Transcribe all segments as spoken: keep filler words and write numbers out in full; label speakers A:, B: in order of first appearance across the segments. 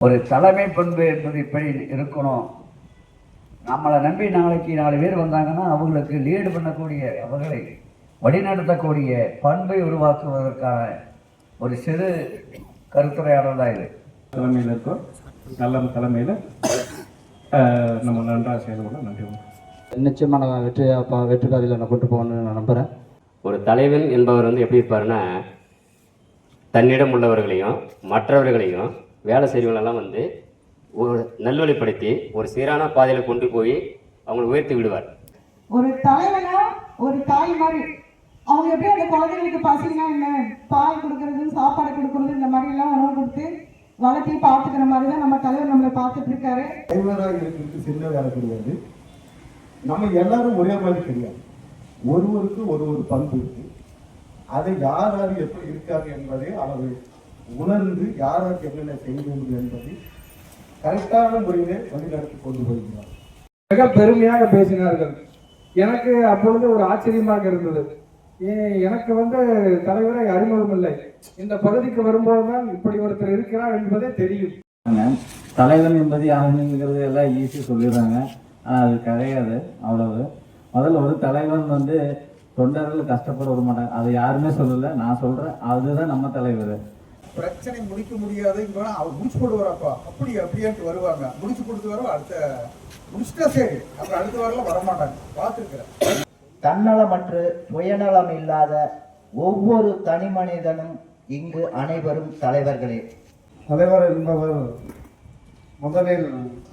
A: ஒரு தலைமை பண்பு என்பது இப்படி இருக்கணும். நம்மளை நம்பி நாளைக்கு நாலு பேர் வந்தாங்கன்னா அவங்களுக்கு லீடு பண்ணக்கூடிய, அவர்களை வழிநடத்தக்கூடிய பண்பை உருவாக்குவதற்கான ஒரு சிறு கருத்துரையாடல் தான் இது.
B: தலைமையில் இருக்கோம், நல்ல தலைமையில் நம்ம நன்றாக செயல்பட நன்றி.
C: நிச்சயமாக நான் வெற்றி வெற்றி பாதையில் நான் கொண்டு போகணும்னு நான் நம்புகிறேன்.
D: ஒரு தலைவன் என்பவர் வந்து எப்படி இருப்பாருன்னா, தன்னிடம் உள்ளவர்களையும் மற்றவர்களையும் வேலை செய்வங்களெல்லாம் வந்து ஒரு நல்வழிப்படுத்தி ஒரு சீரான பாதையில் கொண்டு போய் அவங்களை உயர்த்தி விடுவார்.
E: ஒரு தலைவனா ஒரு தாய் மாதிரி அவங்க எப்படி அந்த குழந்தைகளுக்கு பசினா என்ன, பால் கொடுக்கறது, சாப்பாடு கொடுக்கறது, இந்த மாதிரி எல்லாம் உணவு கொடுத்து வளர்த்தி பார்த்துக்கிற மாதிரி தான் நம்ம தலைவர் நம்மளை பார்த்துட்டு இருக்காரு.
F: தலைவராக இருக்கிறது சின்ன வேலை கிடையாது. நம்ம எல்லாரும் ஒரே மாதிரி கிடையாது. ஒருவருக்கு ஒரு ஒரு பண்பு இருக்கு. அதை யார் யார் எப்படி இருக்காரு என்பதை அவர் உணர்ந்து யார் யாருக்கு என்னென்ன செய்ய வேண்டும் என்பதை கரெக்டான முறையிலே வழிநடத்தி கொண்டு போகிறார்.
G: மிக பெருமையாக பேசினார்கள். எனக்கு அப்பொழுது ஒரு ஆச்சரியமாக இருந்தது. எனக்கு வந்து தலைவரை அறிமுகம் இல்லை. இந்த பகுதிக்கு வரும்போதுதான் இப்படி ஒருத்தர் இருக்கிறார் என்பதே தெரியும்.
C: தலைவன் என்பது யாருங்கிறது எல்லாம் ஈஸி சொல்லிடுறாங்க, ஆனால் அது கிடையாது. அவ்வளவு முதல்ல ஒரு தலைவன் வந்து தொண்டர்கள் கஷ்டப்பட விட மாட்டாங்க, அதை யாருமே சொல்லலை, நான் சொல்றேன். அதுதான் நம்ம தலைவர்.
F: பிரச்சனை முடிக்க முடியாது, அவர் முடிச்சு போடுவாரப்பா, அப்படி அப்படியாட்டு வருவாங்க, முடிச்சு கொடுத்து வர அடுத்த முடிச்சுட்டா சரி, அப்புறம் அடுத்த வாரம் வரமாட்டாங்க. பார்த்துருக்கிறேன்.
H: தன்னலமற்று சுயநலம் இல்லாத ஒவ்வொரு தனி மனிதனும் இங்கு அனைவரும் தலைவர்களே.
F: தலைவர் என்பவர் முதலில்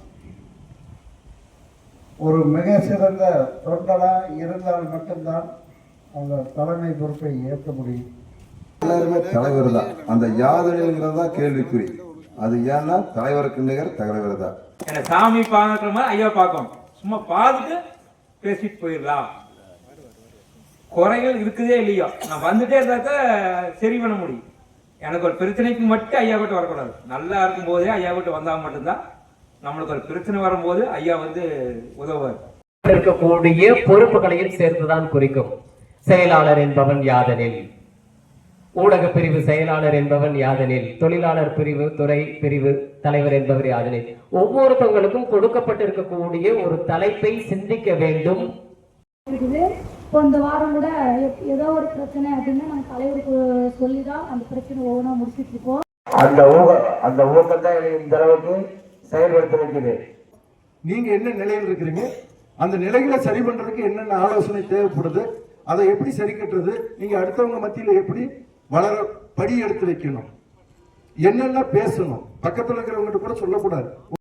F: ஒரு மிக சிறந்த தொண்டரா இருந்தால் மட்டும்தான் அந்த தலைமை பொறுப்பை ஏற்க முடியும்.
I: எல்லாருமே தலைவர் தான். அந்த யாதனைங்கிறது தான் கேள்விக்குறி. அது ஏன்னா தலைவருக்கு நிகர் தலைவர் தான்.
J: என்ன சாமி பார்க்குற மாதிரி ஐயா பார்க்கும், சும்மா பார்த்துட்டு பேசிட்டு போயிடலாம். குறைகள் இருக்குதே இல்லையோ, நான் வந்துட்டே இருந்தாக்க சரி பண்ண முடியும். எனக்கு ஒரு பிரச்சனைக்கு மட்டும் ஐயா கிட்ட வரக்கூடாது. நல்லா இருக்கும் போதே ஐயா கிட்ட வந்தால் மட்டும்தான் நம்மளுக்கு ஒரு பிரச்சனை வரும்போது ஐயா வந்து உதவுவார்.
K: இருக்கக்கூடிய பொறுப்புகளையும் சேர்த்துதான் குறிக்கும். செயலாளர் என்பவன் யாதெனில், ஊடக பிரிவு செயலாளர் என்பவன் யாதெனில், தொழிலாளர் பிரிவு துறை பிரிவு தலைவர் என்பவர் யாதெனில், ஒவ்வொருத்தவங்களுக்கும் கொடுக்கப்பட்டிருக்கக்கூடிய ஒரு தலைப்பை சிந்திக்க வேண்டும்.
L: இப்போ இந்த வாரம் கூட ஏதோ ஒரு பிரச்சனை அப்படின்னா நாங்கள் தலைவருக்கு சொல்லி தான் அந்த பிரச்சனை ஒவ்வொன்றா முடிச்சுட்டு இருக்கோம்.
A: அந்த ஊக அந்த ஊக்கம் தான் இந்த அளவுக்கு செயல்படுத்த வைக்குது.
F: நீங்க என்ன நிலையில் இருக்கிறீங்க, அந்த நிலைகளை சரி பண்றதுக்கு என்னென்ன ஆலோசனை தேவைப்படுது, அதை எப்படி சரி கட்டுறது, நீங்க அடுத்தவங்க மத்தியில எப்படி வளர படி எடுத்து வைக்கணும், என்னென்ன பேசணும், பக்கத்தில் இருக்கிறவங்க கூட சொல்லக்கூடாது.